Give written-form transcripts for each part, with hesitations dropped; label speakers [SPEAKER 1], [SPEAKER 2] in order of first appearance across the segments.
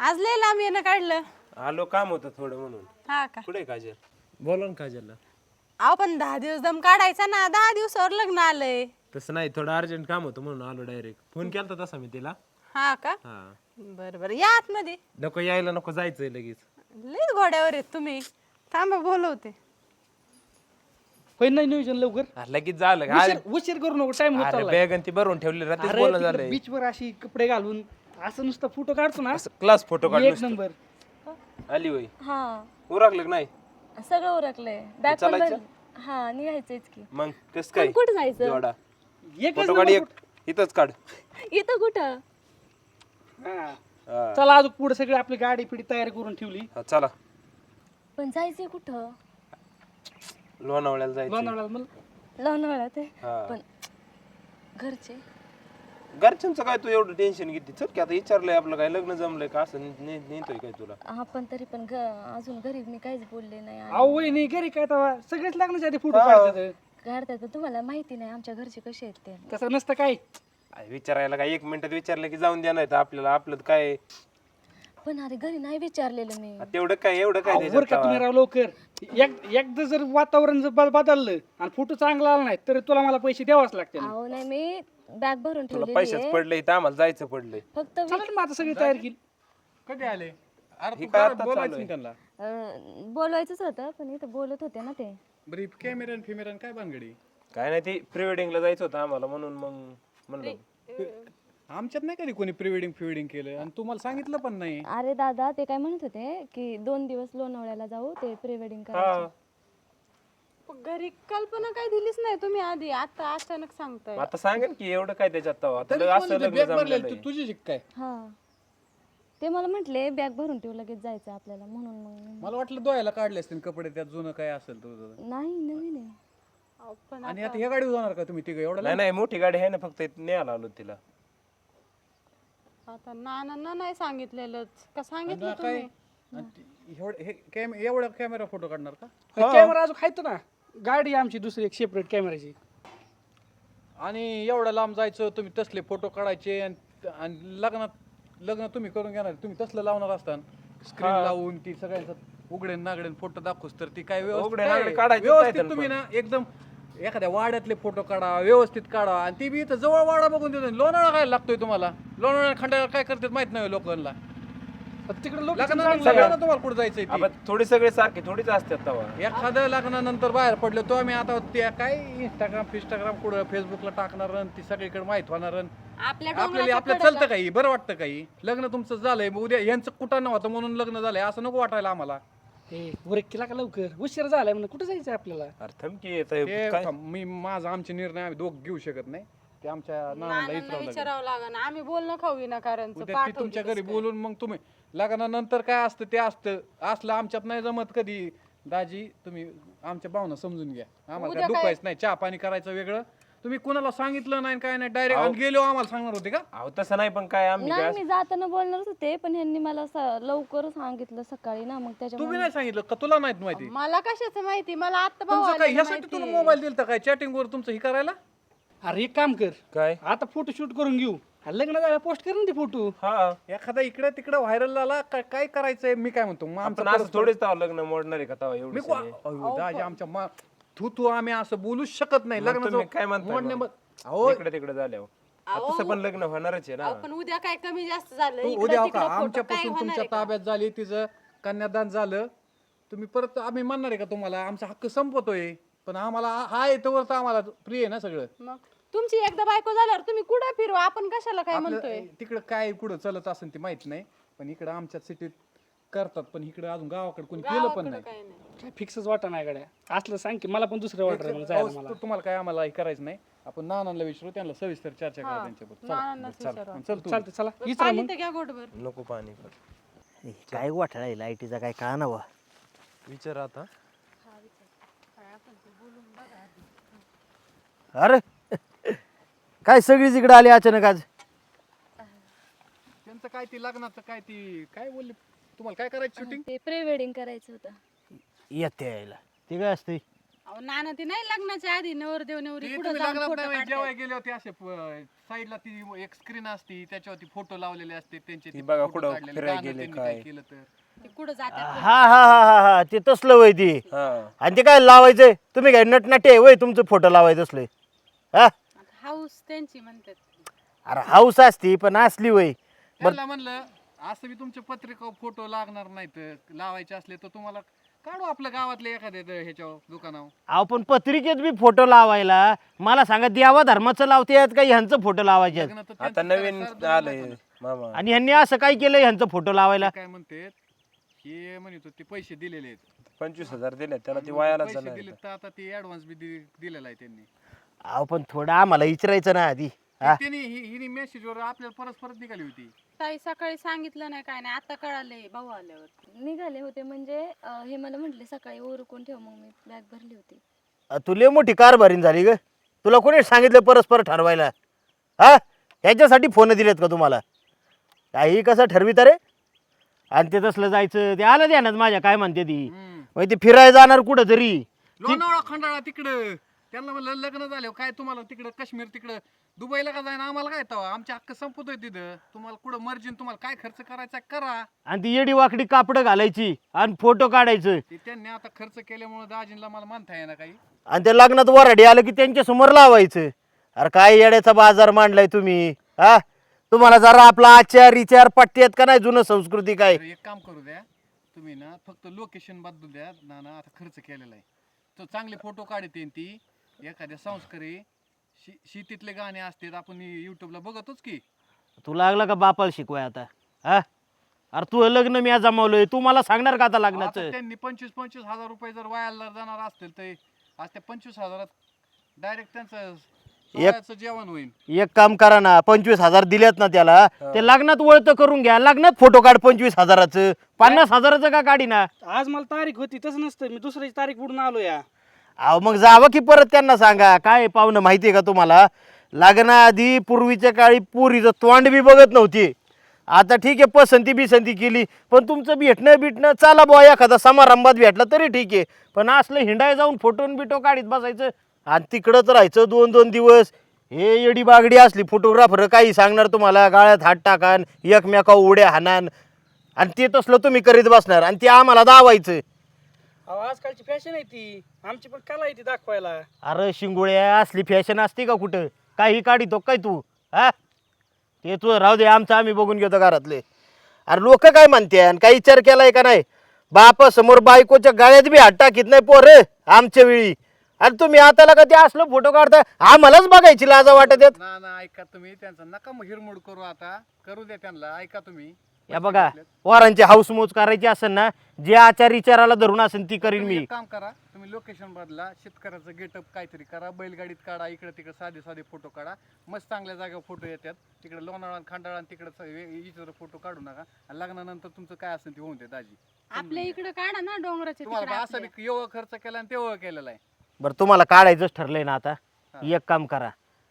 [SPEAKER 1] आज लय लांब येणं काढलं.
[SPEAKER 2] आलो काम होतं थोडं म्हणून.
[SPEAKER 1] हा का?
[SPEAKER 2] कुठे काजल? बोला ना काजलला.
[SPEAKER 1] अहो पण 10 दिवस दम काढायचा ना, 10 दिवसावर लग्न आलंय.
[SPEAKER 2] तसं नाही, थोडं अर्जंट काम होतं म्हणून आलो डायरेक्ट. फोन केलता तसा मी तिला.
[SPEAKER 1] हा का?
[SPEAKER 2] हा.
[SPEAKER 1] बरं बरं या आतमध्ये.
[SPEAKER 2] नको यायला, नको जायचंय लगेच.
[SPEAKER 1] लय घोड्यावर आहेत तुम्ही. थांबा बोलवते.
[SPEAKER 3] होय नाही नियोजन लवकर
[SPEAKER 2] लगेच झालं का?
[SPEAKER 3] उशीर करू नको टाइम होत
[SPEAKER 2] अरे
[SPEAKER 3] चाललाय.
[SPEAKER 2] बॅग ती भरून ठेवली रात्री बोलणं झालंय.
[SPEAKER 3] बीच वर अशी कपडे घालून असं नुसतं फोटो काढतो ना,
[SPEAKER 2] क्लास फोटो काढ
[SPEAKER 3] एक नंबर.
[SPEAKER 2] आली होय.
[SPEAKER 4] हा
[SPEAKER 2] उरकलं का नाही?
[SPEAKER 4] सगळं उरकलंय. बॅग पण
[SPEAKER 2] चालायचं?
[SPEAKER 4] भरली. हा निघायचंच की.
[SPEAKER 2] मग कस काय
[SPEAKER 4] कुठं जायचं?
[SPEAKER 2] जोडा
[SPEAKER 3] एकच
[SPEAKER 2] फोटो काढ, एक इथंच काढ.
[SPEAKER 4] इथं कुठं?
[SPEAKER 3] हा.
[SPEAKER 2] हा.
[SPEAKER 3] चला अजून पुढे सगळी आपली गाडी पिढी तयारी करून ठेवली.
[SPEAKER 2] हा, चला
[SPEAKER 4] पण जायचंय कुठं?
[SPEAKER 2] लोणावळ्याला जायचं.
[SPEAKER 3] लोणावळ्याला मला
[SPEAKER 4] लोणावळ्यात आहे.
[SPEAKER 2] हा.
[SPEAKER 4] पण घरचे
[SPEAKER 2] घरच्यांचं काय तू एवढं टेन्शन घेते? चल की आता विचारलंय आपलं काय लग्न जमलंय का असं नेतोय काय तुला?
[SPEAKER 4] हा पण तरी पण अजून घरी मी काहीच बोलले नाही.
[SPEAKER 3] अहो वय नाही घरी काय तेव्हा सगळेच लग्नाच्या आधी फोटो
[SPEAKER 2] हा.
[SPEAKER 3] काढतात.
[SPEAKER 4] काढतात पण तुम्हाला माहिती नाही आमच्या घरचे कसे आहेत ते.
[SPEAKER 3] तसं नसतं काय.
[SPEAKER 2] अरे विचारायला काय 1 मिनिटात विचारलं की जाऊन द्या, नाही तर आपल्याला आपलं काय
[SPEAKER 4] पण अरे घरी नाही विचारलेलं मी.
[SPEAKER 2] तेवढं काय एवढं काय
[SPEAKER 3] वर का
[SPEAKER 2] त्याच्यात
[SPEAKER 3] तुम्ही राव लवकर एकदा जर वातावरण जर बदललं आणि फोटो चांगला आला नाही तर तुला मला पैसे द्यावाच लागतील.
[SPEAKER 4] अहो नाही मी बॅग भरून
[SPEAKER 2] तुला
[SPEAKER 4] ठेवलेली
[SPEAKER 2] पैसेच
[SPEAKER 4] आहे.
[SPEAKER 2] पडले इथं, आम्हाला जायचं पडलंय.
[SPEAKER 4] फक्त
[SPEAKER 3] चला ना मग आता सगळी तयारी केली.
[SPEAKER 5] कधी आले? अरे
[SPEAKER 2] हे
[SPEAKER 5] तू
[SPEAKER 2] काय
[SPEAKER 5] काय
[SPEAKER 2] आता
[SPEAKER 5] बोलायचं
[SPEAKER 2] चालू
[SPEAKER 5] नाही त्यांना.
[SPEAKER 4] बोलवायचंच होतं पण इथं बोलत होते ना ते.
[SPEAKER 5] बरं कॅमेरा फिमेरा काय भानगडी?
[SPEAKER 2] काय नाही, ती प्री वेडिंगला जायचं होतं आम्हाला म्हणून मग म्हणलं.
[SPEAKER 5] आमच्यात नाही कधी कोणी प्री वेडिंग फिडिंग केलं आणि तुम्हाला सांगितलं पण नाही.
[SPEAKER 4] अरे दादा ते काय म्हणत होते की 2 दिवस लोणावळ्याला जाऊ ते प्री वेडिंग
[SPEAKER 2] हा.
[SPEAKER 4] करायचं.
[SPEAKER 1] पण घरी कल्पना काय दिलीच नाही तुम्ही आधी, आता अचानक सांगताय.
[SPEAKER 2] आता सांगेन की एवढं काय त्याच्यात तवा. आता
[SPEAKER 5] तरी
[SPEAKER 2] असं
[SPEAKER 5] कोणी
[SPEAKER 2] लग्न
[SPEAKER 5] बॅग भरलेलं,
[SPEAKER 2] जमलेलं
[SPEAKER 5] तू तुझी शिक काय?
[SPEAKER 4] हा ते मला म्हटले बॅग भरून ठेवू लगेच जायचं आपल्याला म्हणून मग
[SPEAKER 5] मला वाटलं दोयाला काढले असतील कपडे, त्यात जुनं काय असेल तुझं.
[SPEAKER 4] नाही नवीन आहे.
[SPEAKER 1] अहो, पण
[SPEAKER 5] आणि आता ह्या गाडीवर जाणार का तुम्ही तिघं एवढं
[SPEAKER 2] नाही नाही, मोठी गाडी आहे ना, फक्त इथं न्यायला आलो तिला.
[SPEAKER 1] आता नानांना नाही सांगितलेलंच का सांगितलं
[SPEAKER 5] लांब? काय
[SPEAKER 1] तुम्ही?
[SPEAKER 5] आणि एवढा कॅमेरा फोटो काढणार का?
[SPEAKER 3] कॅमेरा अजून खायतो ना, गाडी आमची दुसरी एक सेपरेट कॅमेराची.
[SPEAKER 5] आणि एवढं लांब जायचं तुम्ही तसले फोटो काढायचे आणि लग्न तुम्ही करून घेणार, तुम्ही तसलं लावणार असताना स्क्रीन लावून ती सगळ्यांचा उघडे नागडे फोटो दाखवस तर ती काय
[SPEAKER 2] उघडे नागडे काढायचे
[SPEAKER 5] व्यवस्थित
[SPEAKER 2] नाहीत
[SPEAKER 5] तुम्ही ना एकदम एखाद्या वाड्यातले फोटो काढा, व्यवस्थित काढा. आणि ती बी इथं जवळ वाडा बघून देतो. लोणावळा काय लागतोय तुम्हाला? लोणावळा खंडाळा काय करतात माहित नाही लोकांना.
[SPEAKER 3] तिकडे लोक
[SPEAKER 5] लग्नानंतर तुम्हाला कुठं जायचंय ते?
[SPEAKER 2] आपण थोडी सगळे सारखे थोडीच असतात तवा.
[SPEAKER 5] एखादं लग्नानंतर बाहेर पडलो तो आम्ही आता त्या काय इंस्टाग्राम कुठं फेसबुकला टाकणार आणि ती सगळीकडे माहित होणार आपल्याला चालतं काही बरं वाटतं काही. लग्न तुमचं झालंय मग उद्या यांचं कुठं नव्हतं म्हणून लग्न झालंय असं नको वाटायला आम्हाला.
[SPEAKER 3] ब्रेक केला का लवकर, उशीर झालाय म्हणून कुठे जायचं आपल्याला.
[SPEAKER 2] अरे थांब की आता काय
[SPEAKER 5] मी माझा आमचे निर्णय आम्ही दोघ घेऊ शकत नाही. ते आमच्या नानाला
[SPEAKER 1] नानांना
[SPEAKER 5] विचारावं लागेल.
[SPEAKER 1] विचारावं लागेल. आम्ही बोलणं खाऊ विनाकारणचं
[SPEAKER 5] उद्या ती तुमच्या घरी बोलून मग तुम्ही लग्नानंतर काय असतं ते असलं आमच्यात नाही जमत कधी. दाजी तुम्ही आमच्या भावना समजून घ्या, आम्हाला काय दुखायचं नाही. चहा पाणी करायचं वेगळं. तुम्ही कुणाला सांगितलं नाही काय नाही, डायरेक्ट गेलो आम्हाला सांगणार होते का?
[SPEAKER 2] अहो तसं नाही, पण काय आम्ही
[SPEAKER 4] नाही मी जाताना बोलणारच होते पण ह्यांनी मला लवकर सांगितलं सकाळी ना, मग
[SPEAKER 5] तुम्ही
[SPEAKER 4] त्याच्यामुळे
[SPEAKER 5] नाही सांगितलं का? तुला नाहीत माहिती?
[SPEAKER 1] मला कशाचं माहिती, मला आता भाऊ
[SPEAKER 5] तुमचं काय
[SPEAKER 1] आलेला
[SPEAKER 5] ह्यासाठी
[SPEAKER 1] माहिती.
[SPEAKER 5] तुला मोबाईल दिलता काय चॅटिंग वर तुमचं हे करायला?
[SPEAKER 3] अरे एक काम कर,
[SPEAKER 2] काय
[SPEAKER 3] आता फोटो शूट करून घेऊ आणि लग्न झालं पोस्ट कर ना ते फोटो.
[SPEAKER 2] हा
[SPEAKER 5] एखादा इकडे तिकडे व्हायरल झाला काय करायचंय? मी काय म्हणतो मग
[SPEAKER 2] आपण
[SPEAKER 5] आमचं
[SPEAKER 2] असं थोडीच तवा लग्न मोडणार आहे का तवा
[SPEAKER 5] मी
[SPEAKER 2] एवढं?
[SPEAKER 5] दाजी आमच्या तू आम्ही असं बोलूच शकत नाही. लग्न
[SPEAKER 2] तुम्ही काय म्हणताय मग?
[SPEAKER 5] अहो
[SPEAKER 2] इकडे तिकडे झाल्यावर तसं पण लग्न होणारच आहे ना.
[SPEAKER 1] पण उद्या काय कमी जास्त झालं
[SPEAKER 5] तू
[SPEAKER 1] इकडं
[SPEAKER 5] उद्या हो
[SPEAKER 1] तिकडं
[SPEAKER 5] का
[SPEAKER 1] फोटो काय
[SPEAKER 5] आमच्यापासून
[SPEAKER 1] होणार
[SPEAKER 5] तुमच्या
[SPEAKER 1] आहे का?
[SPEAKER 5] ताब्यात झाली, तिचं कन्यादान झालं, तुम्ही परत आम्ही म्हणणार आहे का तुम्हाला? आमचा हक्क संपतोय पण आम्हाला हा येतोवर तर आम्हाला प्रिय आहे ना सगळं.
[SPEAKER 1] मग तुमची एकदा बायको झाल्यावर तुम्ही कुठं फिरवा, आपण कशाला काय म्हणतोय?
[SPEAKER 5] तिकडं काय कुठं चलत असेल ते माहित नाही, पण इकडं आमच्या सिटीत करतात, पण इकडं अजून गावाकडे कोणी केलं पण नाही.
[SPEAKER 1] काय नाही.
[SPEAKER 3] काय फिक्सच वाटा नाही गाड्या असलं सांग की मला पण दुसरं वाटत जायला मला.
[SPEAKER 5] तुम्हाला काय आम्हाला हे करायचं नाही. आपण नानांना विचारू, त्यांना सविस्तर चर्चा करा त्यांच्याबरोबर.
[SPEAKER 1] नानांनाच विचारा.
[SPEAKER 5] चल तू
[SPEAKER 3] चालतं चला
[SPEAKER 1] पाणी तर घ्या घोटभर.
[SPEAKER 2] नको पाणी पण
[SPEAKER 6] काय वाटायला आहे लाईटीचा काय कळा ना.
[SPEAKER 2] विचार आता.
[SPEAKER 6] अरे काय सगळीच इकडे आली अचानक आज.
[SPEAKER 5] त्यांचं काय ती लग्नाचं काय बोलले तुम्हाला? काय करायचं शूटिंग?
[SPEAKER 4] ते प्री वेडिंग करायचं होतं.
[SPEAKER 6] येते यायला ते काय असते.
[SPEAKER 1] अहो नाना ती नाही लग्नाच्या आधी नवरदेव नवरी
[SPEAKER 5] ती
[SPEAKER 1] पुढे
[SPEAKER 5] तुम्ही
[SPEAKER 1] जाऊन
[SPEAKER 5] लग्नात
[SPEAKER 1] फोटो
[SPEAKER 5] नाही
[SPEAKER 1] काढतात.
[SPEAKER 5] जेव्हा गेले होते असे साईडला ती एक स्क्रीन असते त्याच्यावरती फोटो लावलेले असते त्यांचे
[SPEAKER 2] ती
[SPEAKER 5] ते
[SPEAKER 2] बघा
[SPEAKER 5] photo
[SPEAKER 2] कुठं
[SPEAKER 5] काढलेले,
[SPEAKER 2] फिरायला
[SPEAKER 5] गाणं
[SPEAKER 2] गेले
[SPEAKER 5] त्यांनी
[SPEAKER 2] काय.
[SPEAKER 5] काय केलं तर
[SPEAKER 1] ते कुठं जातात
[SPEAKER 6] हा हा हा हा हा ते तसलं वय ती
[SPEAKER 2] हा
[SPEAKER 6] आणि ते काय लावायचंय तुम्ही काय नटनाटे आहे वय तुमचं फोटो लावायचं असले हा
[SPEAKER 1] हाऊस त्यांची म्हणतात.
[SPEAKER 6] अरे हाऊस असती पण असली वय
[SPEAKER 5] त्यांना म्हणलं असं बी तुमच्या पत्रिका फोटो लागणार नाहीत लावायचे असले तर तुम्हाला काढू आपल्या गावातले एखाद्या ह्याच्यावर दुकानावर.
[SPEAKER 6] अहो पण पत्रिकेत बी फोटो लावायला मला सांगा देवा धर्माचं लावते का ह्यांचं फोटो लावायचे
[SPEAKER 5] लग्न तर
[SPEAKER 2] आता
[SPEAKER 5] त्यांचं
[SPEAKER 2] नवीन
[SPEAKER 5] करा, सारं
[SPEAKER 2] आलंय
[SPEAKER 5] दोन
[SPEAKER 2] मामा.
[SPEAKER 6] आणि ह्यांनी असं काय केलं ह्यांचं फोटो लावायला
[SPEAKER 5] काय म्हणते हे म्हणत होते पैसे दिलेले आहेत
[SPEAKER 2] 25,000 दिले त्याला ती वायाला
[SPEAKER 5] पैसे
[SPEAKER 2] जाणार
[SPEAKER 5] दिले तर आता ते ऍडव्हान्स बी दिलेला आहे त्यांनी.
[SPEAKER 6] अहो पण थोडं आम्हाला विचारायचं ना आधी हा
[SPEAKER 5] त्यांनी हिने मेसेजवर आपल्याला परत निघाली होती.
[SPEAKER 1] ताई सकाळी सांगितलं नाही काय नाही आता कळाले भाऊ आल्यावर.
[SPEAKER 4] निघाले होते म्हणजे हे मला म्हटले सकाळी ओरकून ठेव, मग मी बॅग भरली होती.
[SPEAKER 6] तुला मोठी कारभारी झाली ग तुला कोणी सांगितलं परस्पर ठरवायला हा ह्याच्यासाठी फोन दिलेत का तुम्हाला काही कसं ठरविता रे आणि ते तसलं जायचं ते आलं ध्यानात माझ्या काय म्हणते ती मग ते फिरायला जाणार कुठं तरी
[SPEAKER 5] लोणावळा खंडाळा तिकडं त्यांना म्हणलं लग्न झालं काय तुम्हाला तिकडं काश्मीर तिकडं दुबईला का जाईना आम्हाला काय तवा आमच्या हक्क संपतोय तिथं तुम्हाला कुठं मर्जीन तुम्हाला काय खर्च करायचा करा.
[SPEAKER 6] आणि ती येडी वाकडी कापडं घालायची आणि फोटो काढायचं
[SPEAKER 5] ते त्यांनी आता खर्च केल्यामुळे दाजींना मला म्हणता येईना काही.
[SPEAKER 6] आणि ते लग्नात वराडी आलं की त्यांच्या समोर लावायचं अरे काय येड्याचा बाजार मांडलाय तुम्ही हा तुम्हाला जरा आपला आचार विचार पट्ट्यात का नाही जुनं संस्कृती काय
[SPEAKER 5] तर एक काम करू द्या तुम्ही ना फक्त लोकेशन बदलू द्या ना आता खर्च केलेला आहे तर चांगले फोटो काढते ती एखाद्या संस्कारी शेतीतले गाणे असतात आपण युट्यूबला बघतोच की.
[SPEAKER 6] तू लागला का बापाला शिकवाय आता हा अरे तू लग्न मी आज जमावलंय तू मला सांगणार का आता
[SPEAKER 5] आता
[SPEAKER 6] लग्नाचं
[SPEAKER 5] त्यांनी 25,000 रुपये जर वायाला जाणार असतील तर आज त्या 25,000 डायरेक्ट त्यांचं सोहळ्याचं जेवण होईल.
[SPEAKER 6] एक काम करा ना 25,000 दिलेत ना त्याला ते लग्नात वळतं करून घ्या लग्नात फोटो काढ 25,000चं 50,000चं का काढी ना
[SPEAKER 3] आज मला तारीख होती तसं नसतं, मी दुसऱ्याची तारीख उडून आलो या.
[SPEAKER 6] अहो मग जावं की परत त्यांना सांगा काय पाहुणं माहिती आहे का तुम्हाला लग्नाआधी पूर्वीच्या काळी पोरीचं तोंड बी बघत नव्हती आता ठीक आहे पसंती बिसंती केली पण तुमचं भेटणं चाला बुवा एखादा समारंभात भेटला तरी ठीक आहे पण असलं हिंडाय जाऊन फोटोन बिटो काढीत बसायचं आणि तिकडंच राहायचं 2-2 दिवस हे येडी बागडी असली फोटोग्राफर काही सांगणार तुम्हाला गाळ्यात हात टाकान एकमेका उड्या हाणान आणि ते तसलं तुम्ही करीत बसणार आणि ते आम्हाला दावायचं.
[SPEAKER 3] अहो आजकालची फॅशन आहे ती, आमची पण कला आहे ती दाखवायला.
[SPEAKER 6] अरे शिंगोळ्या असली फॅशन असते का कुठं काही काढितो काय तू हा ते तू राहू दे आमचं आम्ही बघून घेतो घरातले. अरे लोक काय म्हणते आणि काही विचार केलाय का नाही बापा समोर बायकोच्या गाळ्यात बी हात टाकीत नाही पोर आमच्या वेळी आणि तुम्ही आता का ते असलं फोटो काढता आम्हालाच बघायची लाज वाटत येत.
[SPEAKER 5] ना ऐका तुम्ही त्यांचा नका मग हिरमोड करू आता करू द्या त्यांना ऐका तुम्ही.
[SPEAKER 6] या बघा पोरांची हाऊसमौज करायची असेल ना जे आचार विचाराला धरून असेल ती करीन मी.
[SPEAKER 5] एक काम करा तुम्ही लोकेशन बदला शेतकऱ्याचं गेटअप काहीतरी करा बैलगाडीत काढा इकडे तिकडे साधे फोटो काढा मस्त चांगल्या जागेवर फोटो येतात तिकडे लोणावळा खंडाळा तिकडे इतर फोटो काढू नका आणि लग्नानंतर तुमचं काय असेल ते होऊन दे दाजी.
[SPEAKER 1] आपल्या इकडे काढा ना डोंगराच्या
[SPEAKER 5] तुम्हाला
[SPEAKER 1] तिकडे
[SPEAKER 5] असं
[SPEAKER 1] आपल्या.
[SPEAKER 5] बी एवढं खर्च केला आणि तेवढं केलेला आहे.
[SPEAKER 6] बरं तुम्हाला काढायचंच ठरलंय ना आता एक काम करा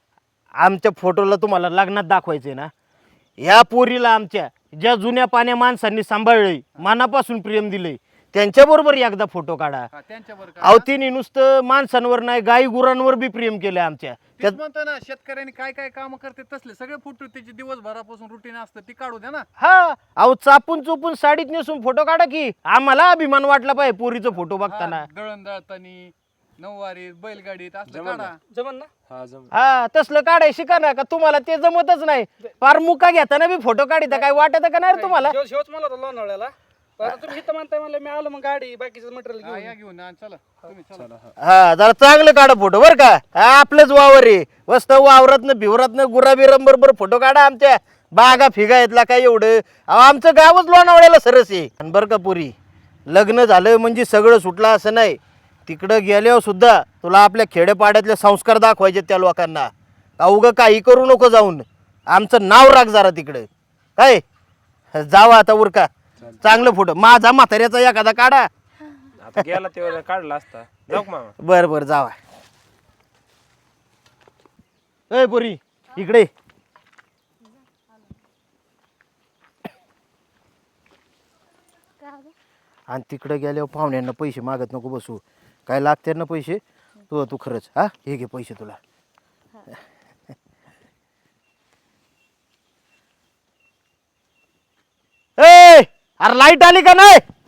[SPEAKER 6] आमच्या फोटोला तुम्हाला लग्नात दाखवायचंय ना या पोरीला आमच्या ज्या जुन्या पाण्या माणसांनी सांभाळलंय मनापासून प्रेम दिलंय त्यांच्याबरोबर एकदा फोटो काढा.
[SPEAKER 5] हा, त्यांच्यावर
[SPEAKER 6] अहो तिने नुसतं माणसांवर नाही गाई गुरांवर बी प्रेम केलं आमच्या
[SPEAKER 5] तेच म्हणतो ना शेतकऱ्यांनी काय काय काम करते तसले सगळे फोटो त्याचे दिवसभरापासून रुटीन असतं ती काढू द्या ना.
[SPEAKER 6] हा अहो चापून चुपून साडीत नेसून फोटो काढा की आम्हाला अभिमान वाटला पाहिजे पोरीचा फोटो बघताना.
[SPEAKER 5] हा, दळण दळतानी नऊवारीत बैलगाडीत असलं काढा.
[SPEAKER 3] जमन ना?
[SPEAKER 2] हा जम
[SPEAKER 6] हा तसलं काढाय शिका ना का तुम्हाला ते जमतच नाही फार मुका घेताना बी फोटो काढिता काय वाटत का नाही रे तुम्हाला.
[SPEAKER 3] शेवच मला होता लोणावळ्याला, आता तुम्ही इथं म्हणताय म्हणलं मी आलो मग गाडी बाकीचं मटेरियल
[SPEAKER 5] हा,
[SPEAKER 3] घेऊन.
[SPEAKER 5] या घेऊन हा, चला तुम्ही चला.
[SPEAKER 6] हा जरा चांगलं काढा फोटो बर का हा आपलंच वावर आहे वस्त वावरातनं भिवरातनं गुराबिरम बरोबर फोटो काढा आमच्या बागा फिगा येतला काय एवढं अहो आमचं गावच लोणावळ्याला सरस आहे. आणि बरं का पुरी लग्न झालं म्हणजे सगळं सुटलं असं नाही तिकडं गेल्यावर सुद्धा तुला आपल्या खेडेपाड्यातले संस्कार दाखवायचे त्या लोकांना उगं काही करू नको जाऊन आमचं नाव राख जरा तिकडं काय जावा आता उरका चांगलं फोटो माझा म्हाताऱ्याचा एखादा काढा.
[SPEAKER 2] आता गेला तेव्हा काढला असता जाऊ का मामा.
[SPEAKER 6] बर बर जावा ए पुरी इकडे आणि तिकडे गेल्यावर पाहुण्यांना पैसे मागत नको बसू काय लागते ना पैसे तू खरंच हा हे घे पैसे तुला. ए अरे लाईट आली का नाही?